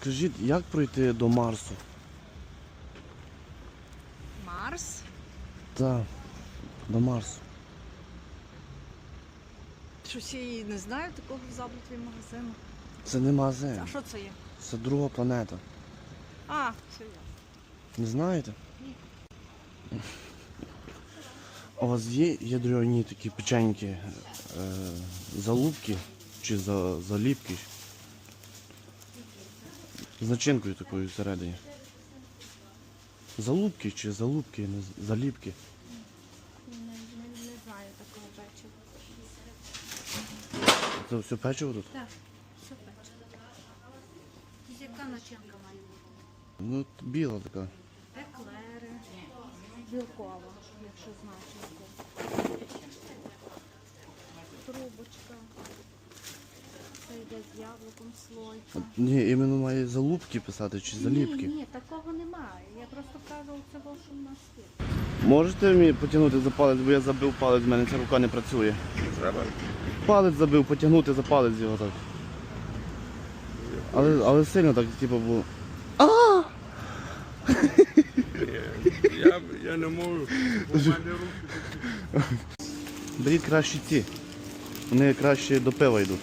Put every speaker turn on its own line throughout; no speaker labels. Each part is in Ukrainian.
Скажіть, як пройти до Марсу?
Марс?
Так, до Марсу.
Щось я і не знаю такого в Заблутві магазину.
Це не магазин.
А що це є?
Це друга планета.
А, все ясно.
Не знаєте?
Ні.
А у вас є ядерні такі печеньки, залупки чи заліпки? З начинкою такою всередині. Залупки чи залупки, заліпки?
Не знаю такого печива.
Це все печиво тут?
Так, все печиво. Яка начинка має бути?
Ну, біла така.
Еклери, білкова, якщо знаєш яку. Трубочка. Це йде з яблуком слойка.
Ні, іменно має залупки писати чи заліпки.
Ні, такого немає. Я просто кажу, це що в нас є.
Можете мені потягнути за палець, бо я забив палець, в мене ця рука не працює.
Треба?
Палець забив, потягнути за палець його так. Але сильно так, типу, було.
Я не можу. У мене руки.
Беріть краще ці. Вони краще до пива йдуть.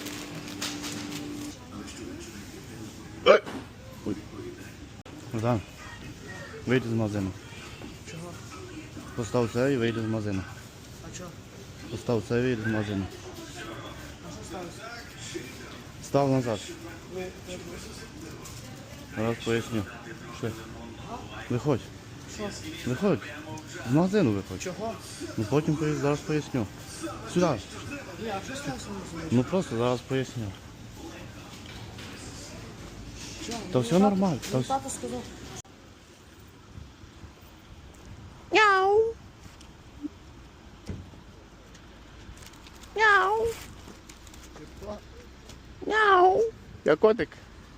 Ой. Богдан, вийди з магазину.
Чого?
Постав це і вийди з магазину.
А чого?
Постав це і вийди з магазину.
А що сталося?
Став назад. Зараз поясню. Пішли. Виходь.
Що?
Виходь. З магазину виходь.
Чого?
Ну потім зараз поясню. Сюди.
Ні, а що сталося? Не розумію.
Ну просто зараз поясню.
Чого?
Та все нормально. Та
Мій
все...
тато сказав.
Я котик.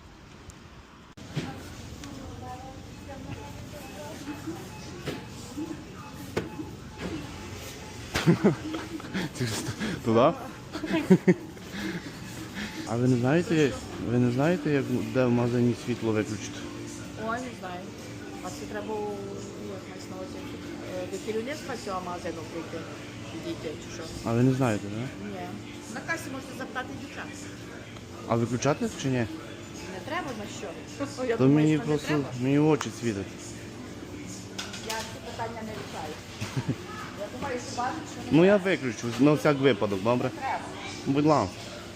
Туди? А ви не знаєте, як де в магазині світло виключити?
Ой, не знаю. А це треба мається на увазі до керівництва цього магазину прийти. Підійти чи що?
А ви не знаєте, так?
Ні. На касі можете запитати дівчат.
А виключати чи ні?
Не треба на що? Я
То
думаю,
мені
що не
просто
треба.
мені очі світять.
Я ці питання не рішаю. Я думаю, що бачить, що не
Ну я виключу, на всяк випадок, добре?
треба.
Будь ласка.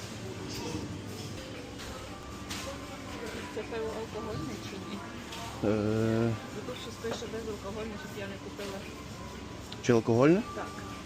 Це пиво алкогольне чи ні? Бо тут щось пише безалкогольне, щоб я не купила.
Чи алкогольне?
Так.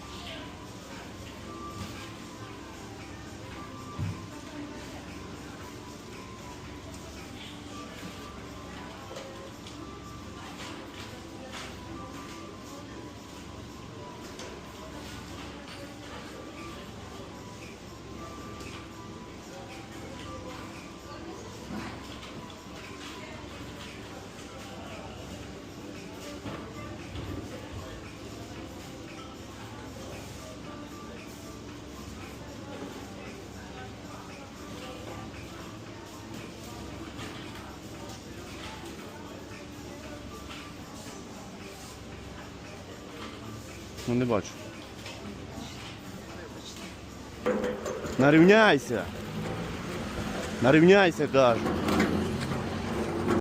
Ну не бачу. Нарівняйся! Нарівняйся, кажу.